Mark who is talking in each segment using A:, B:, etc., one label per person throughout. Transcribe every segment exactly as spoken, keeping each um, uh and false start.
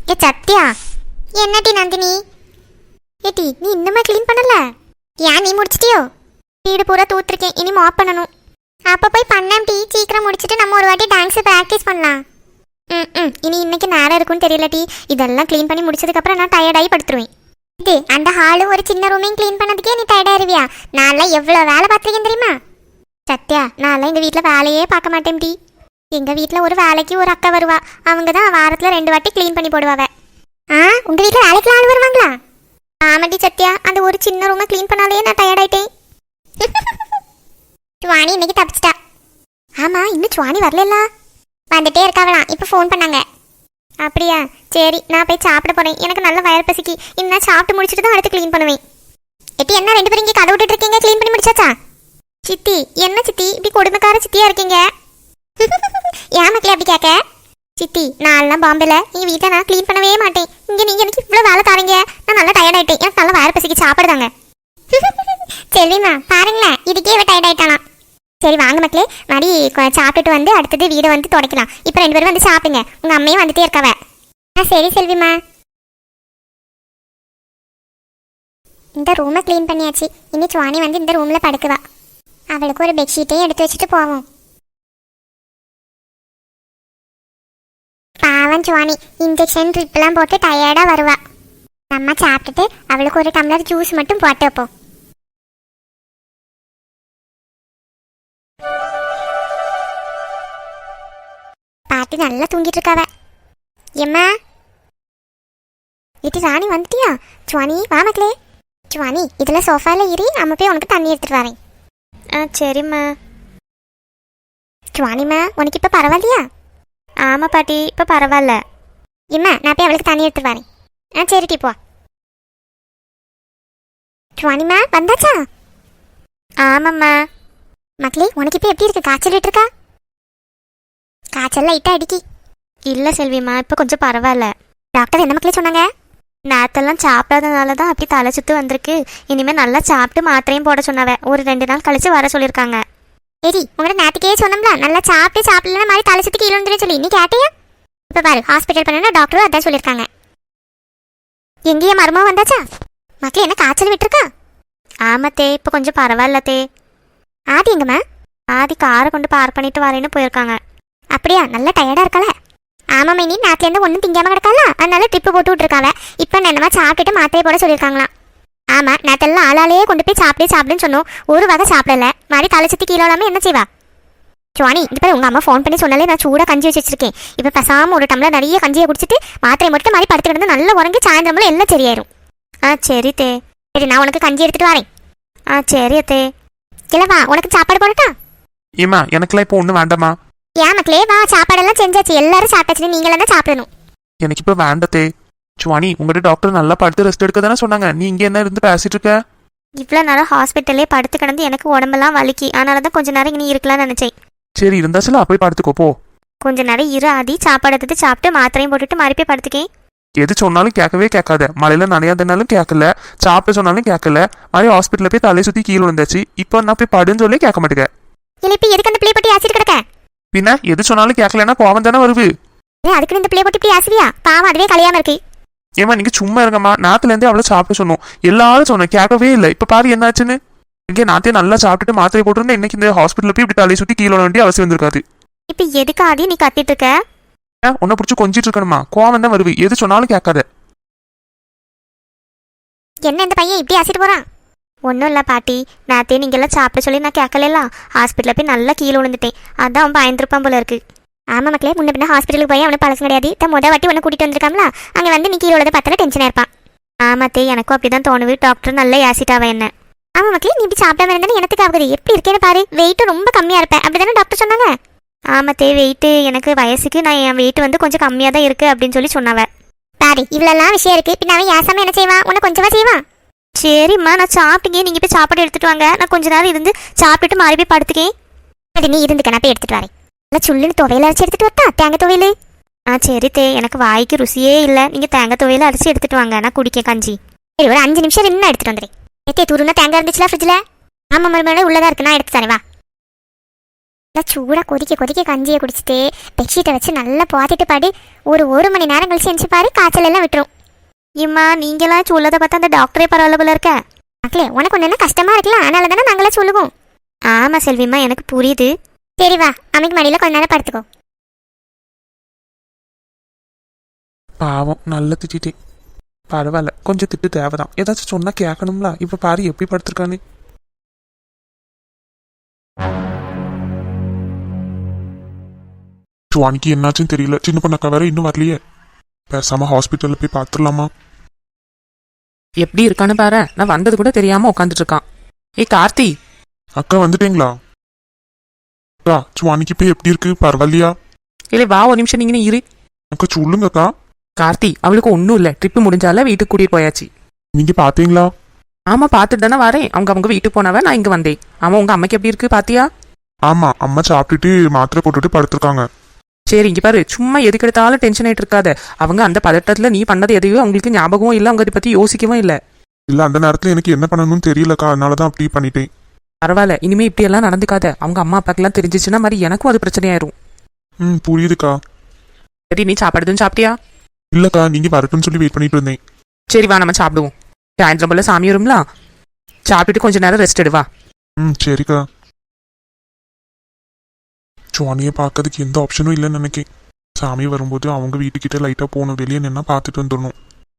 A: ஏ சத்யா, என்னடி நந்தினி? ஏடி நீ இன்னுமே க்ளீன் பண்ணல? ஏன் நீ முடிச்சிட்டியோ? வீடு பூரா தூத்துருக்கேன், இனி மாப் பண்ணணும். அப்போ போய் பண்ணேன் டீ. சீக்கிரம் முடிச்சுட்டு நம்ம ஒரு வாட்டி டான்ஸ் ப்ராக்டிஸ் பண்ணலாம். ம் ம் இனி இன்னைக்கு நேரம் இருக்குன்னு தெரியல டீ. இதெல்லாம் க்ளீன் பண்ணி முடிச்சதுக்கப்புறம் நான் டயர்டாகி படுத்துருவேன். இது அந்த ஹாலும் ஒரு சின்ன ரூமையும் க்ளீன் பண்ணதுக்கே நீ டயர்டாயிருவியா? நான்லாம் எவ்வளோ வேலை பார்த்துருக்கேன் தெரியுமா? சத்யா, நான்லாம் எங்கள் வீட்டில் வேலையே பார்க்க மாட்டேன் டீ. எங்கள் வீட்டில் ஒரு வேலைக்கு ஒரு அக்கா வருவா. அவங்க தான் வாரத்தில் ரெண்டு வாட்டி க்ளீன் பண்ணி போடுவாவ. ஆ, உங்கள் வீட்டில் வேலைக்கு ஆள் வருவாங்களா? ஆமாடி சத்யா, அந்த ஒரு சின்ன ரூமை க்ளீன் பண்ணாலே நான் டயர்டாயிட்டேன். சுவாணி இன்னைக்கு தப்பிச்சிட்டா. ஆமாம், இன்னும் சுவாணி வரல. வந்துட்டே இருக்காவலாம், இப்போ ஃபோன் பண்ணாங்க. அப்படியா? சரி, நான் போய் சாப்பிட போகிறேன். எனக்கு நல்ல வயர் பசிக்கு. இன்னும் சாப்பிட்டு முடிச்சுட்டு தான் அடுத்து க்ளீன் பண்ணுவேன். எட்டி, என்ன ரெண்டு பேரும் இங்கே கதை விட்டுட்டு இருக்கீங்க? க்ளீன் பண்ணி முடிச்சாச்சா? சித்தி, என்ன சித்தி இப்படி கொடுமைக்கார சித்தியா இருக்கீங்க? ஏன் மக்களே அப்படி கேட்க? சித்தி, நான்லாம் பாம்பேல எங்கள் வீட்டை நான் க்ளீன் பண்ணவே மாட்டேன். இங்கே நீங்கள் எனக்கு இவ்வளோ வேலை தாரீங்க. நான் நல்லா டயர்ட் ஆகிட்டேன். எனக்கு நல்லா வயர் பசிக்கு சாப்பிடுதாங்க. சரிம்மா, பாருங்களேன், இதுக்கே இவ டயர்ட் ஆகிட்டானா. சரி வாங்க மக்களே, மறுபடி சாப்பிட்டுட்டு வந்து அடுத்தது வீடை வந்து துடைக்கலாம். இப்போ ரெண்டு பேரும் வந்து சாப்பிடுங்க. உங்கள் அம்மையும் வந்துட்டே இருக்காவ. ஆ சரி செல்விம்மா. இந்த ரூமை க்ளீன் பண்ணியாச்சு. இனி சுவாணி வந்து இந்த ரூமில் படுக்குவா. அவளுக்கு ஒரு பெட்ஷீட்டையும் எடுத்து வச்சுட்டு போவோம். பாவம் சுவாணி, இன்ஜெக்ஷன் ட்ரிப்லாம் போட்டு டயர்டாக வருவா. நம்ம சாப்பிட்டுட்டு அவளுக்கு ஒரு டம்ளர் ஜூஸ் மட்டும் போட்டு வைப்போம். பாட்டி நல்லா தூங்கிட்டு இருக்காவ. எம்மா, இது ராணி வந்துட்டியா? சுவாணி வா மக்களே. சுவாணி, இதில் சோஃபாவில் ஏறி நம்ம போய் உனக்கு தண்ணி எடுத்துட்டு வரேன். ஆ சரிம்மா. சுவாணிம்மா, உனக்கு இப்போ பரவாயில்லையா? ஆமாம் பாட்டி, இப்போ பரவாயில்ல. இம்மா, நான் போய் அவளுக்கு தண்ணி எடுத்துட்டு வரேன். ஆ சரி டீ, போ. சுவாணிம்மா வந்தாச்சா? ஆமாம்மா. மக்களே, உனக்கு இப்போ எப்படி இருக்கு? காய்ச்சல் விட்டுருக்கா? காய்ச்சல் லைட்டாக அடிக்கி. இல்லை செல்விம்மா, இப்போ கொஞ்சம் பரவாயில்ல. டாக்டர் என்ன மக்களே சொன்னாங்க? நேரத்தெல்லாம் சாப்பிடாதனால தான் அப்படி தலை சுத்து வந்திருக்கு. இனிமேல் நல்லா சாப்பிட்டு மாத்திரையும் போட சொன்னாவ. ஒரு ரெண்டு நாள் கழிச்சு வர சொல்லியிருக்காங்க. சரி, உங்கள்கிட்ட நேற்றுக்கே சொன்னோம்ல, நல்லா சாப்பிட்டு சாப்பிடலன்னா மாதிரி தலை சுற்றி கீழே வந்துடும் சொல்லி. நீ கேட்டியா? இப்போ பாரு, ஹாஸ்பிட்டல் பண்ணா டாக்டரும் அதான் சொல்லியிருக்காங்க. எங்கேயே மருமகம் வந்தாச்சா? மக்களே, என்ன காய்ச்சல் விட்டுருக்கா? ஆமாத்தே, இப்போ கொஞ்சம் பரவாயில்லத்தே. ஆதி எங்கம்மா? ஆதி காரை கொண்டு பார்க் பண்ணிட்டு வரேன்னு போயிருக்காங்க. அப்படியா? நல்லா டயர்டாக இருக்காள? ஆமாம் மைனி, நாட்டிலேருந்து ஒன்றும் திங்காமல் கிடக்கால, அதனால ட்ரிப்பு போட்டு விட்ருக்காவ. இப்போ என்னமா சாப்பிட்டுட்டு மாத்திரையை போட சொல்லியிருக்காங்களாம். ஆமாம், நேற்றெல்லாம் ஆளாலேயே கொண்டு போய் சாப்பிடு சாப்பிடுன்னு சொன்னோம். ஒரு வகை சாப்பிடல. மாதிரி தலை சுற்றி கீழே இல்லாமல் என்ன செய்வா? சுவாணி, இது பேர் உங்கள் அம்மா ஃபோன் பண்ணி சொன்னாலே நான் சூடாக கஞ்சி வச்சு வச்சிருக்கேன். இப்போ பேசாமல் ஒரு டம்ளர் நிறைய கஞ்சியை குடிச்சிட்டு மாத்திரை மட்டும் மாதிரி படுத்து கிடந்து நல்லா உறங்கி சாயந்தரமும் எல்லாம் சரியாயிரும். ஆ சரி தே. சரி, நான் உனக்கு கஞ்சி எடுத்துகிட்டு வரேன். ஆ சரி அத்தே. இல்லைவா, உனக்கு சாப்பாடு போடட்டா?
B: ஏமா, எனக்குலாம் இப்போ ஒன்றும் வேண்டாமா.
A: ஏன் மக்களே, வா, சாப்பாடெல்லாம் செஞ்சாச்சு. எல்லாரும் சாப்பிட்டாச்சு, நீங்களும் தான் சாப்பிடணும்.
B: எனக்கு இப்போ வேண்டத்தே. சுவாணி, உங்கள்கிட்ட டாக்டர் நல்லா படுத்து ரெஸ்ட் எடுக்க தானே சொன்னாங்க. நீ இங்கே என்ன இருந்து பேசிட்டு இருக்க?
A: இவ்வளோ நேரம் ஹாஸ்பிட்டல்லே படுத்து கிடந்து எனக்கு உடம்பெல்லாம் வலிக்கி. அதனால தான் கொஞ்ச நேரம் இனி இருக்கலாம்னு நினச்சேன்.
B: சரி, இருந்தாச்சுல போய் படுத்துக்கோ போ.
A: கொஞ்ச நேரம் இரு ஆதி, சாப்பாடு எடுத்து சாப்பிட்டு மாத்திரையும் போட்டுட்டு மறுபடியும் படுத்துக்கேன்.
B: எது சொன்னாலும் கேட்கவே கேட்காத. மழையில நனையாதனாலும் கேட்கல, சாப்பிட சொன்னாலும் கேட்கல. மாதிரி ஹாஸ்பிட்டலில் போய் தலை சுற்றி கீழே வந்தாச்சு. இப்போ நான் போய் படுன்னு சொல்லி கேட்க மாட்டேங்க.
A: இல்லை, இப்போ எதுக்கு அந்த பிள்ளை போட்டு ஆசிட்டு கிடக்க?
B: பின்ன எது சொன்னாலும் கேட்கலன்னா கோவம் தானே வருது.
A: அதுக்கு இந்த பிள்ளை போட்டு இப்படி ஆசிரியா? பாவம், அதுவே கலையாம இருக்கு.
B: ஏமா, நீங்க சும்மா இருங்கம்மா. நாத்துலேருந்தே அவ்வளோ சாப்பிட சொன்னோம். எல்லாரும் சொன்னோம், கேட்கவே இல்லை. இப்போ பாரு என்னாச்சுன்னு. இங்கே நாத்தே நல்லா சாப்பிட்டுட்டு மாத்திரை போட்டுருந்தா இன்னைக்கு இந்த ஹாஸ்பிட்டலில் போய் இப்படி தலையை சுற்றி கீழே வேண்டிய அவசியம் வந்திருக்காது.
A: இப்போ எதுக்கு ஆதி நீ கத்திட்டு இருக்க?
B: உன்னை பிடிச்சி கொஞ்சிட்டு இருக்கணுமா? கோவம் தான் வருது. எது சொன்னாலும் கேட்காத.
A: என்ன இந்த பையன் இப்படி ஆசிட்டு போறான்? ஒன்றும் இல்லை பாட்டி, நேற்றே நீங்கள்லாம் சாப்பிட சொல்லி நான் கேட்கலாம். ஹாஸ்பிட்டலில் போய் நல்லா கீழே விழுந்துட்டேன். அதான் அவன் பயந்துருப்பான் போல இருக்கு. ஆமாம் மக்களே, முன்ன பின்ன ஹாஸ்பிட்டலுக்கு போய் அவனை பழசம் கிடையாது. தான் முத வாட்டி ஒன்று கூட்டிகிட்டு வந்திருக்காங்களா, அங்கே வந்து நீ கீழே விழுத பார்த்தால டென்ஷனாக இருப்பான். ஆமாத்தே, எனக்கும் அப்படி தான் தோணுது. டாக்டர் நல்லா ஏசிட்டாவ என்ன. ஆமாம் மக்களே, நீ இப்படி சாப்பிடாம இருந்தானே எனக்கு ஆகுது. எப்படி இருக்கேன்னு பாரு. வெயிட்டும் ரொம்ப கம்மியாக இருப்பேன், அப்படி தானே டாக்டர் சொன்னாங்க? ஆமாத்தே, வெயிட்டு எனக்கு வயசுக்கு நான் என் வெயிட் வந்து கொஞ்சம் கம்மியாக தான் இருக்குது அப்படின்னு சொல்லி சொன்னாவ. பாரு, இவ்வளோலாம் விஷயம் இருக்குது. பின்ன அவன் ஏசாமல் என்ன செய்வான்? உன்னை கொஞ்சமாக செய்வான். சரிம்மா, நான் சாப்பிட்டீங்க. நீங்கள் போய் சாப்பாடு எடுத்துகிட்டு வாங்க. நான் கொஞ்ச நேரம் இருந்து சாப்பிட்டுட்டு மாறி போய் படுத்துக்கேன். அது நீ இருந்துக்க, நான் போய் எடுத்துகிட்டு வரேன். நல்லா சுள்ளுன்னு துவையில அரைச்சி எடுத்துகிட்டு வரட்டா? தேங்காய் துவையல். ஆ சரி தே, எனக்கு வாய்க்கு ருசியே இல்லை. நீங்கள் தேங்காய் துவையில அரைச்சி எடுத்துகிட்டு வாங்க, நான் குடிக்க கஞ்சி. சரி, ஒரு அஞ்சு நிமிஷம் இன்னும் எடுத்துகிட்டு வந்துடுறேன். ஏத்தே, துருன்னா தேங்காய் இருந்துச்சுல ஃப்ரிட்ஜில்? ஆமாம் மறுபடியும் உள்ளதாக இருக்கு, நான் எடுத்து தரேன் வா. நல்லா சூடாக கொதிக்க கொதிக்க கஞ்சியை குடிச்சிட்டு பெட்ஷீட்டை வச்சு நல்லா பாத்திட்டு பாடி ஒரு ஒரு மணி நேரம் கழிச்சு எந்திச்சு பாரு காய்ச்சல் எல்லாம் விட்டுரும். இம்மா நீங்களாம் சொல்லதை பார்த்தா அந்த டாக்டரே பரவாயில்ல போல இருக்க. மக்களே உனக்கு ஒன்று என்ன கஷ்டமா இருக்குல்ல, அதனால தானே நாங்களாம் சொல்லுவோம். ஆமாம் செல்விம்மா எனக்கு புரியுது. சரி வா அம்மைக்கு மடியில் கொஞ்ச நேரம் படுத்துக்கோ.
B: பாவம் நல்லா திட்டேன். பரவாயில்ல, கொஞ்சம் திட்டு தேவைதான். ஏதாச்சும் சொன்னா கேட்கணும்ல. இப்ப பாரு எப்படி படுத்திருக்கானு.
C: சுவானிக்கு என்னாச்சுன்னு தெரியல. சின்ன பொண்ணக்கா வேற இன்னும் வரலையே. பேசாம ஹாஸ்பிட்டல்ல போய் பார்த்துடலாமா?
D: எப்படி இருக்கான்னு பாரு. நான் வந்தது கூட தெரியாம உட்காந்துட்டு இருக்கான். ஏய் கார்த்தி.
C: அக்கா வந்துட்டீங்களா? அக்கா சுவானிக்கு இப்ப எப்படி இருக்கு? பரவாயில்லையா?
D: இல்லை வா ஒரு நிமிஷம் நீங்க இரு.
C: அக்கா சொல்லுங்க அக்கா.
D: கார்த்தி அவளுக்கு ஒன்றும் இல்லை. ட்ரிப்பு முடிஞ்சால வீட்டுக்கு கூட்டிட்டு போயாச்சு.
C: நீங்க பாத்தீங்களா?
D: ஆமா பார்த்துட்டு தானே வரேன். அவங்க அவங்க வீட்டுக்கு போனவ நான் இங்க வந்தேன். ஆமா உங்க அம்மைக்கு எப்படி இருக்கு பாத்தியா?
C: ஆமா அம்மா சாப்பிட்டுட்டு மாத்திரை போட்டுட்டு படுத்திருக்காங்க.
D: சரி இங்க பாரு, சும்மா எதுக்கு எடுத்தாலும் டென்ஷன் ஆயிட்டு இருக்காத. அவங்க அந்த பதட்டத்துல நீ பண்ணது எதையோ அவங்களுக்கு ஞாபகமும் இல்லை, அவங்க அதை பத்தி யோசிக்கவும் இல்லை.
C: இல்ல அந்த நேரத்துல எனக்கு என்ன பண்ணணும்னு தெரியலக்கா, அதனாலதான் அப்படி பண்ணிட்டேன்.
D: பரவாயில்ல, இனிமே இப்படி எல்லாம் நடந்துக்காத. அவங்க அம்மா அப்பாக்கெல்லாம் தெரிஞ்சிச்சுன்னா மாதிரி எனக்கும் அது பிரச்சனையாயிரும்.
C: ம் புரியுதுக்கா.
D: சரி நீ சாப்பாடுதுன்னு சாப்பிட்டியா?
C: இல்லக்கா நீங்க வரட்டும்னு சொல்லி வெயிட் பண்ணிட்டு இருந்தேன்.
D: சரி வா நம்ம சாப்பிடுவோம். சாயந்தரம் போல சாமி வரும்ல, சாப்பிட்டுட்டு கொஞ்ச நேரம் ரெஸ்ட் எடுவா.
C: ம் சரிக்கா. சுவானியை பார்க்கறதுக்கு எந்த ஆப்ஷனும் இல்லைன்னு நினைக்கேன். சாமி வரும்போது அவங்க வீட்டுக்கிட்ட லைட்டா போகணும், வெளியே நின்னா பார்த்துட்டு வந்துடணும்.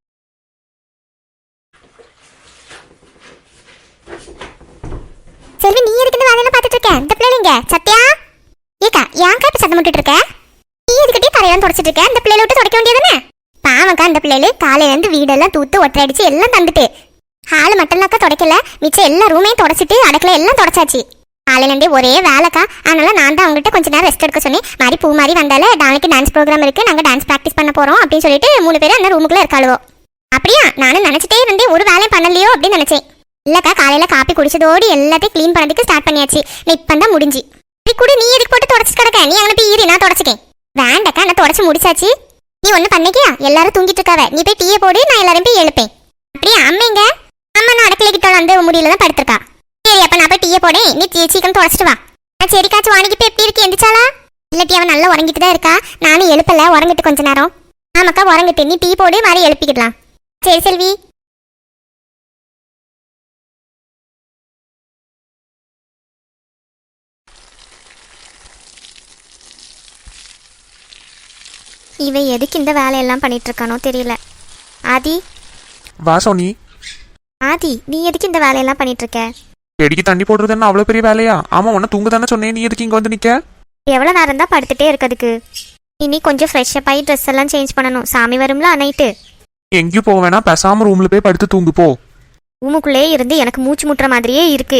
A: செல்வி நீ எதுக்கு இந்த வேலையெல்லாம் பார்த்துட்டு இருக்க? இந்த பிள்ளைங்க சத்யா ஏக்கா ஏன்க்கா இப்ப சத்தம் போட்டுட்டு இருக்க? நீ எதுக்கிட்டே தரையெல்லாம் தொடச்சிட்டு இருக்க? இந்த பிள்ளைல விட்டு தொடக்க வேண்டியதானே? பாவக்கா அந்த பிள்ளைல காலையில இருந்து வீடெல்லாம் தூத்து ஒற்றை அடிச்சு எல்லாம் தந்துட்டு ஹாலு மட்டும்னாக்கா தொடக்கல, மிச்சம் எல்லா ரூமையும் தொடச்சிட்டு அடக்கல எல்லாம் தொடச்சாச்சு. காலையில இருந்தே ஒரே வேலைக்கா, அதனால நான் தான் அவங்ககிட்ட கொஞ்ச நேரம் ரெஸ்ட் எடுக்க சொன்னேன். மாதிரி பூ மாதிரி வந்தால நாளைக்கு டான்ஸ் ப்ரோக்ராம் இருக்கு, நாங்க டான்ஸ் ப்ராக்டிஸ் பண்ண போறோம் அப்படின்னு சொல்லிட்டு மூணு பேரும் அந்த ரூமுக்குள்ள இருக்காளுவோ. அப்படியா? நானும் நினைச்சிட்டே இருந்தேன் ஒரு வேலையும் பண்ணலையோ அப்படின்னு நினைச்சேன். இல்லக்கா காலையில காப்பி குடிச்சதோடு எல்லாத்தையும் கிளீன் பண்ணதுக்கு ஸ்டார்ட் பண்ணியாச்சு. இப்பதான் முடிஞ்சு. கூட நீ எதுக்கு போட்டு தொடச்சு கிடக்க? நீ அங்கே போய் ஈரி, நான் தொடச்சிக்கேன். வேண்டக்கா நான் தொடச்சு முடிச்சாச்சு. நீ ஒண்ணு பண்ணிக்கியா? எல்லாரும் தூங்கிட்டு இருக்காவ, நீ போய் டீயை போடு, நான் எல்லாரும் போய் எழுப்பேன். அப்படியே அம்மைங்க? அம்மா நான் அடக்கலை கிட்ட அந்த முடியல தான் படுத்திருக்கா. சரி அப்ப நான் போய் டீயை போடேன், நீ சீக்கிரம் தொடச்சிட்டு வா. சரிக்கா சுவானிக்கு இப்போ எப்படி இருக்கு? எந்திரிச்சாளா? இல்லாட்டி அவன் நல்லா உறங்கிட்டு தான் இருக்கா. நானும் எழுப்பல, உறங்கிட்டு கொஞ்ச நேரம். ஆமாக்கா உறங்கிட்டு, நீ டீ போடு, மாதிரி எழுப்பிக்கிடலாம். சரி செல்வி. இவன் எதுக்கு இந்த வேலையெல்லாம் பண்ணிட்டு இருக்கானோ தெரியல. ஆதி
B: வா சோனி.
A: ஆதி நீ எதுக்கு இந்த வேலையெல்லாம் பண்ணிட்டு இருக்க?
B: செடிக்கு தண்ணி போடுறதுன்னு அவ்வளோ பெரிய வேலையா? ஆமா உன்ன தூங்க தானே சொன்னேன், நீ எதுக்கு இங்க வந்து நிக்க?
A: எவ்வளோ நேரம் தான் படுத்துட்டே இருக்கிறதுக்கு? இனி கொஞ்சம் ஃப்ரெஷ்ஷப் ஆகி ட்ரெஸ் எல்லாம் சேஞ்ச் பண்ணணும். சாமி வரும்ல நைட்டு.
B: எங்கேயும் போக வேணாம், பேசாம ரூம்ல போய் படுத்து தூங்கு போ.
A: ரூமுக்குள்ளே இருந்து எனக்கு மூச்சு முட்டுற மாதிரியே இருக்கு.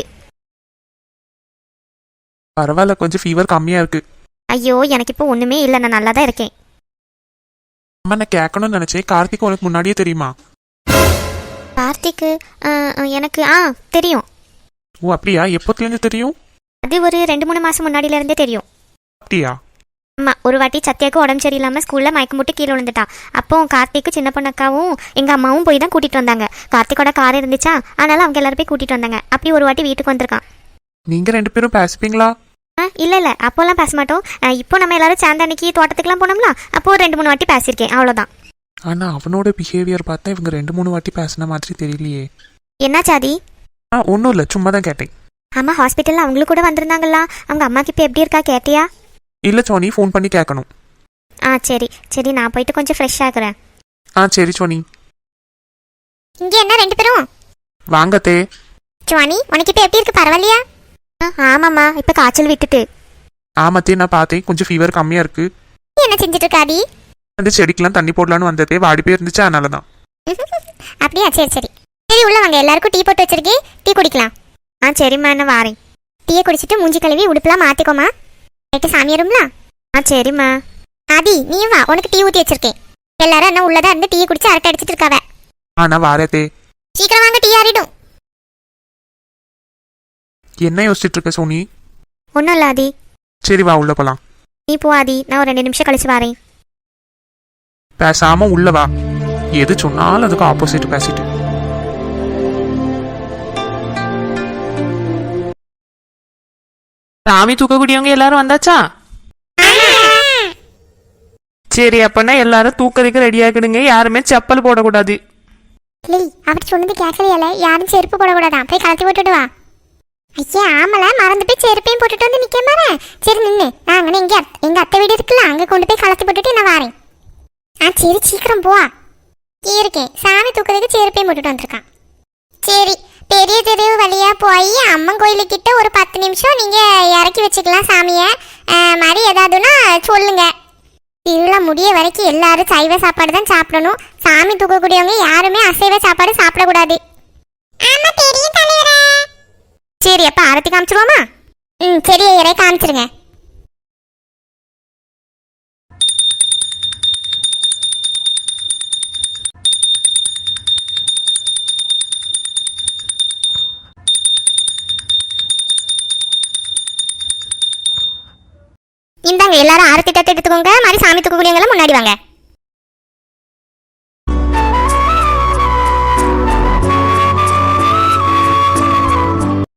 B: பரவாயில்ல, கொஞ்சம் ஃபீவர் கம்மியா இருக்கு.
A: ஐயோ எனக்கு இப்போ ஒண்ணுமே இல்லை, நான் நல்லா தான் இருக்கேன்.
B: அம்மா நான் கேட்கணும்னு நினைச்சேன், கார்த்திக் உனக்கு முன்னாடியே தெரியுமா?
A: கார்த்திக்கு எனக்கு ஆ தெரியும்.
B: ஓ அப்படியா? எப்போத்துலேருந்து தெரியும்?
A: அது ஒரு ரெண்டு மூணு மாசம் முன்னாடியில இருந்தே தெரியும்.
B: அப்படியா?
A: ஆமா, ஒரு வாட்டி சத்யாவுக்கு உடம்பு சரியில்லாம ஸ்கூல்ல மயக்கம் போட்டு கீழே விழுந்துட்டா. அப்போ கார்த்திக்கு சின்ன பொண்ணக்காவும் எங்க அம்மாவும் போய் தான் கூட்டிட்டு வந்தாங்க. கார்த்திகோட கார் இருந்துச்சா, அதனால அவங்க எல்லாரும் போய் கூட்டிட்டு வந்தாங்க. அப்படி ஒரு வாட்டி வீட்டுக்கு வந்திருக்கான்.
B: நீங்க ரெண்டு பேரும் பேசிப்பீங்களா?
A: ஆ இல்ல இல்ல அப்போல்லாம் பேச மாட்டோம். இப்போ நம்ம எல்லாரும் சேர்ந்த அன்னைக்கு தோட்டத்துக்குலாம் போனோம்ல, அப்போ ஒரு ரெண்டு மூணு வாட்டி பேசியிருக்கேன், அவ்வளோதான்.
B: ஆனா அவனோட பிஹேவியர் பார்த்தா இவங்க ரெண்டு மூணு வாட்டி பேசின மாதிரி தெரியலையே.
A: என்னாச்சாதி?
B: ஆ ஒன்றும் இல்லை, சும்மா தான் கேட்டேன்.
A: ஆமா ஹாஸ்பிட்டல்ல அவங்களும் கூட வந்திருந்தாங்களா? அவங்க அம்மாக்கு இப்போ எப்படி இருக்கா கேட்டியா?
B: இல்லை சோனி, ஃபோன் பண்ணி கேட்கணும்.
A: ஆ சரி சரி, நான் போயிட்டு கொஞ்சம் ஃப்ரெஷ் ஆகுறேன்.
B: ஆ சரி சோனி.
A: இங்க என்ன ரெண்டு பேரும்?
B: வாங்கத்தே.
A: சுவானி உனக்கு இப்போ எப்படி இருக்கு? பரவாயில்லையா? ஆமாம்மா இப்போ காய்ச்சல் விட்டுட்டு.
B: ஆமாத்தே நான் பார்த்தேன், கொஞ்சம் ஃபீவர் கம்மியா இருக்கு.
A: என்ன செஞ்சுட்டு இருக்காதி?
B: அந்த செடிக்கெல்லாம் தண்ணி போடலான்னு வந்ததே, வாடி போய் இருந்துச்சு, அதனால தான்.
A: அப்படியா? சரி சரி சரி, உள்ள வாங்க, எல்லாருக்கும் டீ போட்டு வச்சிருக்கேன், டீ குடிக்கலாம். ஆ சரிம்மா நான் வாரேன். டீயை குடிச்சிட்டு மூஞ்சி கழுவி உடுப்புலாம் மாற்றிக்கோமா, நைட்டு சாமி வரும்ல. ஆ சரிம்மா. ஆதி நீ வா, உனக்கு டீ ஊற்றி வச்சிருக்கேன். எல்லாரும் என்ன உள்ளதா இருந்து டீயை குடிச்சு அரட்டை அடிச்சிட்டு இருக்காவ.
B: ஆ நான் வாரத்தே.
A: சீக்கிரம் வாங்க, டீ ஆறிடும்.
B: என்ன யோசிச்சுட்டு இருக்க சோனி?
A: ஒன்றும் இல்லை ஆதி.
B: சரி வா உள்ள போலாம்.
A: நீ போ ஆதி, நான் ஒரு ரெண்டு நிமிஷம் கழிச்சு வரேன்.
B: பேசாம உள்ள வா, எது சொன்னாலும் அதுக்கு ஆப்போசிட் பேசிட்டு.
D: சாமி தூக்கக்கூடியவங்க எல்லாரும் வந்தாச்சா? சரி, அப்பனா எல்லாரும் தூக்கறதுக்கு ரெடி ஆகிடுங்க. யாருமே செப்பல் போடக்கூடாது.
A: அப்படி சொன்னது கேட்கலையால, யாரும் செருப்பு போடக்கூடாதான். போய் கலத்தி போட்டுட்டு வா. ஐயா ஆமல, மறந்து போய் செருப்பையும் போட்டுட்டு வந்து நிக்க மாறேன். சரி நின்று, நான் அங்கே எங்க எங்க அத்தை வீடு இருக்குல்ல, அங்கே கொண்டு போய் கலத்தி போட்டுட்டு நான் வரேன். ஆ சரி, சீக்கிரம் போ. இருக்கேன், சாமி தூக்குறதுக்கு செருப்பையும் போட்டுட்டு வந்திருக்கான். சரி, பெரிய தெருவு வழியா போய் அம்மன் கோயிலுக்கிட்ட ஒரு பத்து நிமிஷம் நீங்க இறக்கி வச்சுக்கலாம் சாமியை. மாதிரி ஏதாவதுன்னா சொல்லுங்க. திருவிழா முடிய வரைக்கும் எல்லாரும் சைவ சாப்பாடு தான் சாப்பிடணும். சாமி தூக்கக்கூடியவங்க யாருமே அசைவ சாப்பாடு சாப்பிடக்கூடாது. ஆமா பெரிய தலைவரே. சரி, அப்ப ஆரத்தி காமிச்சிருவோமா? ம் சரி ஐயரே, காமிச்சிருங்க. இந்தாங்க எல்லாரும் ஆரத்தி தட்டு எடுத்துக்கோங்க. மாதிரி சாமி தூக்கக்கூடியவங்க முன்னாடி வாங்க.